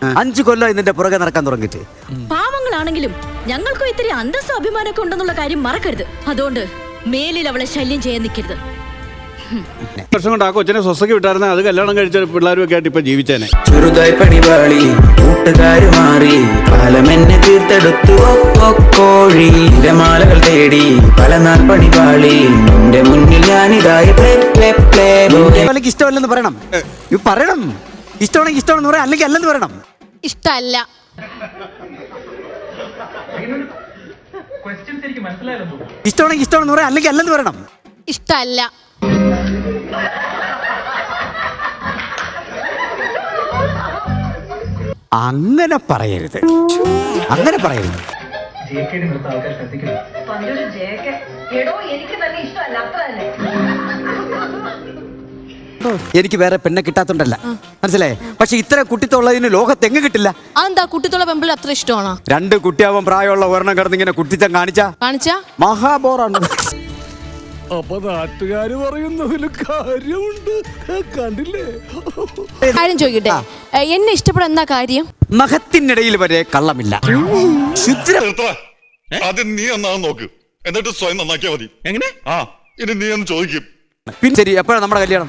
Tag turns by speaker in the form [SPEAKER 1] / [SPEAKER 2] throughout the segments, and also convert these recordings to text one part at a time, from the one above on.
[SPEAKER 1] 5 കൊല്ലം ഇതിന്റെ പുറകെ നടക്കാൻ തുടങ്ങിയിട്ട്.
[SPEAKER 2] പാവങ്ങളാണെങ്കിലും ഞങ്ങൾക്കും ഇത്തിരി അന്തസ്സും അഭിമാനമൊക്കെ ഉണ്ടെന്നുള്ള കാര്യം മറക്കരുത്. അതുകൊണ്ട് മേലിൽ അവളെ ശല്യം ചെയ്യാൻ നിൽക്കരുത്.
[SPEAKER 3] വർഷം കൊണ്ട് ആ കൊച്ചിനെ സ്വസ്ഥക്ക് വിട്ടായിരുന്ന അത് കല്യാണം കഴിച്ച പിള്ളേരും ഒക്കെ ആയിട്ട് ഇപ്പൊ ജീവിച്ചേനെ.
[SPEAKER 4] ചെറുതായി പണിപാളി കൂട്ടുകാര് മാറി കാലമെന്നെ തീർത്തെടുത്തു കോഴി മാലകൾ തേടി പല നാൾ പണിപാളി നിന്റെ മുന്നിൽ ഞാനിതായി
[SPEAKER 1] ഇഷ്ടമല്ലെന്ന് പറയണം. പറയണം ഇഷ്ടമാണെങ്കിൽ ഇഷ്ടമാണെന്ന് പറയാം, അല്ലെങ്കിൽ അല്ലെന്ന് പറയണം.
[SPEAKER 5] ഇഷ്ടല്ല.
[SPEAKER 1] ഇഷ്ടമാണെങ്കിൽ ഇഷ്ടമാണെന്ന് പറയാം, അല്ലെങ്കിൽ അല്ലെന്ന് പറയണം.
[SPEAKER 5] ഇഷ്ടല്ല.
[SPEAKER 1] അങ്ങനെ പറയരുത്, അങ്ങനെ പറയരുത്. എനിക്ക് വേറെ പെണ്ണെ കിട്ടാത്തോണ്ടല്ല, മനസ്സിലായേ? പക്ഷെ ഇത്ര കുട്ടിത്തുള്ളതിന് ലോകത്ത് എങ്ങ് കിട്ടില്ല.
[SPEAKER 5] അതെന്താ കുട്ടിത്തുള്ള പെമ്പിൾ അത്ര ഇഷ്ടമാണോ?
[SPEAKER 1] 2 കുട്ടിയാവാൻ പ്രായമുള്ള ഒരെണ്ണം കിടന്ന് ഇങ്ങനെ കുട്ടിത്തം കാണിച്ചാ മഹാബോറാണ്.
[SPEAKER 6] അപ്പൊ നാട്ടുകാര് പറയുന്നതിൽ കാര്യമുണ്ട്, കണ്ടില്ലേ?
[SPEAKER 5] കാര്യം ചോദിക്കട്ടെ, എന്നെ ഇഷ്ടപ്പെടാൻ എന്താ കാര്യം?
[SPEAKER 1] നഖത്തിനിടയിൽ വരെ കള്ളമില്ല.
[SPEAKER 7] ആദ്യം നീ ഒന്നാന്ന് നോക്ക്, എന്നിട്ട് സ്വയം നന്നാക്കിയാ മതി. എങ്ങനെ? ആ, ഇനി നീ ഒന്ന് ചോദിക്കും.
[SPEAKER 1] പിന്നെ ശരി, എപ്പോഴാണ് നമ്മുടെ കല്യാണം?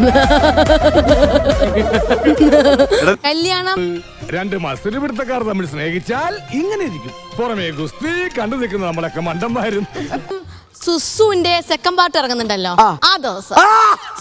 [SPEAKER 5] കല്യാണം
[SPEAKER 6] 2 മത്സര പിടുത്തക്കാർ തമ്മിൽ സ്നേഹിച്ചാൽ ഇങ്ങനെ ഇരിക്കും. പുറമേ ഗുസ്തി കണ്ടു നിൽക്കുന്ന നമ്മളൊക്കെ മണ്ടന്മാരും.
[SPEAKER 5] സുസുവിന്റെ സെക്കൻഡ് പാർട്ട് ഇറങ്ങുന്നുണ്ടല്ലോ, ആ ദിവസം.